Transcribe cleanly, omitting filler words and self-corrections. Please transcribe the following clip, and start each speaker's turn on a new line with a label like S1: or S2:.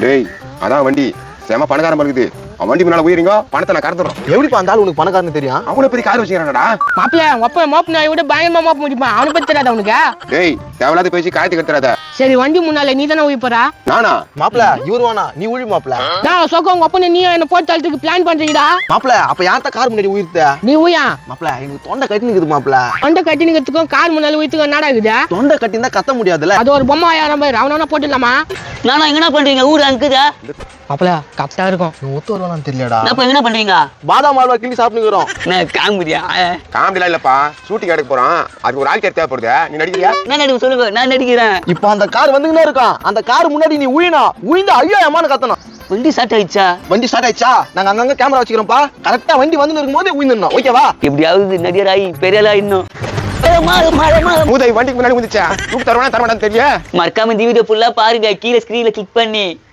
S1: டேய் அதான் வண்டி செம பணக்காரன் இருக்குது. அவன் வண்டி முன்னால உயிரிங்க பணத்தை நான் கறந்துடும்.
S2: எப்படிப்பா அந்த ஆள் உனக்கு பணக்காரன்னு தெரியும்?
S1: அவனை பெரிய கார் வச்சுக்கிறானடா.
S3: மாப்பிள்ள ஒப்ப மோப்பு நாயை விட பயங்கரமா மோப்ப முடியுமா? அவனை பத்தி தெரியாத உனக்கு?
S1: டேய் தேவையில்லாத பேசி காயத்துக்கு எடுத்துறாத.
S3: சரி வண்டி முன்னால நீ தானே உயிப்பறா?
S1: நானா?
S2: மாப்பிள்ள இவரு வேணா நீ உழி மாப்பிள்ள.
S3: நான் சொக்க உங்க அப்பனை நீ என்ன போட்டு தள்ளுறதுக்கு பிளான் பண்றீங்கடா?
S2: மாப்பிள்ள அப்ப யார்த்த கார் முன்னாடி உயிர்த்த?
S3: நீ உயா
S2: மாப்பிள்ள எனக்கு தொண்டை கட்டி நிக்குது மாப்பிள்ள.
S3: தொண்டை கட்டி நிக்கிறதுக்கும் கார் முன்னால உயித்துக்கும் என்னடா இருக்குது?
S2: தொண்டை கட்டி இருந்தா கத்த முடியாதுல்ல.
S3: அது ஒரு பொம்மை ஆயிரம் பேர் அவன போட்டுடலாமா?
S4: நானா என்ன பண்றீங்க? ஊரு அங்குதா
S3: மாப்பிள்ள கரெக்டா இருக்கும்.
S2: நீ ஒத்து வருவானு தெரியலடா.
S4: நான் என்ன பண்றீங்க?
S2: பாதாம் அல்வா கிள்ளி சாப்பிட்டுக்கிறோம்.
S4: நான் காமெடியா?
S1: காமெடிலாம் இல்லப்பா, ஷூட்டிங் எடுக்க போறான். அதுக்கு ஒரு ஆள் தேவைப்படுது. நீ நடிக்கிறியா?
S4: நான் நடிக்க சொல்லுங்க, நான் நடிக்கிறேன்.
S2: இப்போ அந்த கார் வந்துகினே இருக்கான். அந்த கார் முன்னாடி நீ உயிந்து ஐயோ அம்மான்னு கத்தணும்.
S4: வண்டி ஸ்டார்ட் ஆயிடுச்சா?
S2: வண்டி ஸ்டார்ட் ஆயிடுச்சா? நாங்க அங்கங்க கேமரா வச்சுக்கிறோம்ப்பா. கரெக்டா வண்டி வந்து இருக்கும்போது உயிந்துடணும். ஓகேவா?
S4: எப்படியாவது நடிகராகி பெரிய ஆளா இன்னும்
S1: மூதை வண்டிக்கு முன்னாடி வந்துச்சா? தூக்கு தருவானா தரமாட்டான்னு தெரியல.
S4: மறக்காம இந்த வீடியோ ஃபுல்லா பாருங்க, கீழே ஸ்கிரீன்ல கிளிக் பண்ணி.